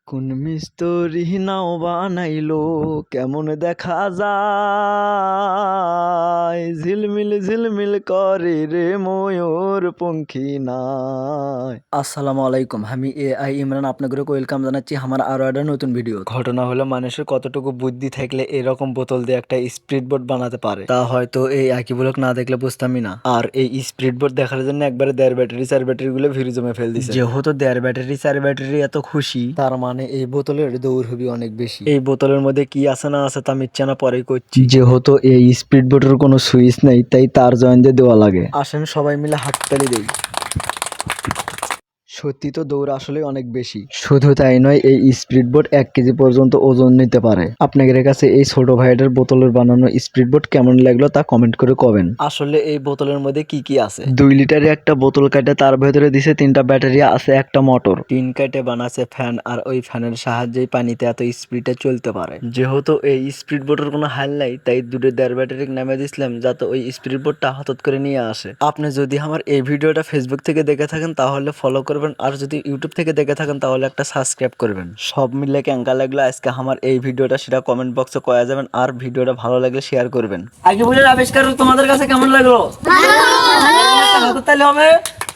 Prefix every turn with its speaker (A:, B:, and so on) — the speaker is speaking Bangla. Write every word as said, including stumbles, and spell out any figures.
A: কোন মিস্তুরি নাও বানাইলো কেমন দেখা যায়, ঝিলমিল ঝিলমিল করে রে ময়ূর পঙ্খী নাই। আসসালামু আলাইকুম, আমি এ আই ইমরান আপনাদের ওয়েলকাম জানাচ্ছি আমার আরো একটা নতুন ভিডিও। ঘটনা হলো মানুষের কতটুকু বুদ্ধি থাকলে এরকম বোতল দিয়ে একটা স্পিড বোট বানাতে পারে, তা হয়তো এই একই ব্লক না দেখলে বুঝতামই না। আর এই স্পিড বোট দেখার জন্য একবারে দেড় ব্যাটারি চার ব্যাটারি গুলো ভিড় জমে ফেল দিছে। যেহেতু দেড় ব্যাটারি চার ব্যাটারি এত খুশি, তার মানে এই বোতলের দৌড় হবে অনেক বেশি। এই বোতলের মধ্যে কি আছে না আছে তা মিথ্যা না পরে করছি। যেহেতু এই স্পিড বোটের কোনো সুইচ নেই, তাই তার জয়েন দিয়ে দেওয়া লাগে। আসেন সবাই মিলে হাততালি দেই। সত্যি তো দৌড় আসলে অনেক বেশি। শুধু তাই নয়, এই স্পিড বোট এক কেজি পর্যন্ত ওজন নিতে পারে। আপনাদের কাছে এই ছোট ভাইটার বোতলের বানানো স্পিড বোট কেমন লাগলো তা কমেন্ট করে কবেন। আসলে এই বোতলের মধ্যে কি কি আছে? দুই লিটারের একটা বোতল কাটে তার ভেতরে দিছে তিনটা ব্যাটারি, আছে একটা মোটর, তিন কাটে বানাছে ফ্যান, আর ওই ফ্যানের সাহায্যে পানিতে এত স্পিডে চলতে পারে। যেহেতু এই স্পিড বোটের কোনো হাল নাই, তাই দুটো দেড় ব্যাটারি নামে দিছিলাম যাতে ওই স্পিড বোটটা হঠাৎ করে নিয়ে আসে। আপনি যদি আমার এই ভিডিওটা ফেসবুক থেকে দেখে থাকেন তাহলে ফলো করবেন, আর যদি ইউটিউব থেকে দেখে থাকেন তাহলে একটা সাবস্ক্রাইব করবেন। সব মিলে কেঙ্কা লাগলো আজকে আমার এই ভিডিওটা সেটা কমেন্ট বক্সে কয়া যাবেন, আর ভিডিওটা ভালো লাগলে শেয়ার করবেন। আগে বলে আবিষ্কার তোমাদের কাছে কেমন লাগলো? ভালো। তাহলে হবে।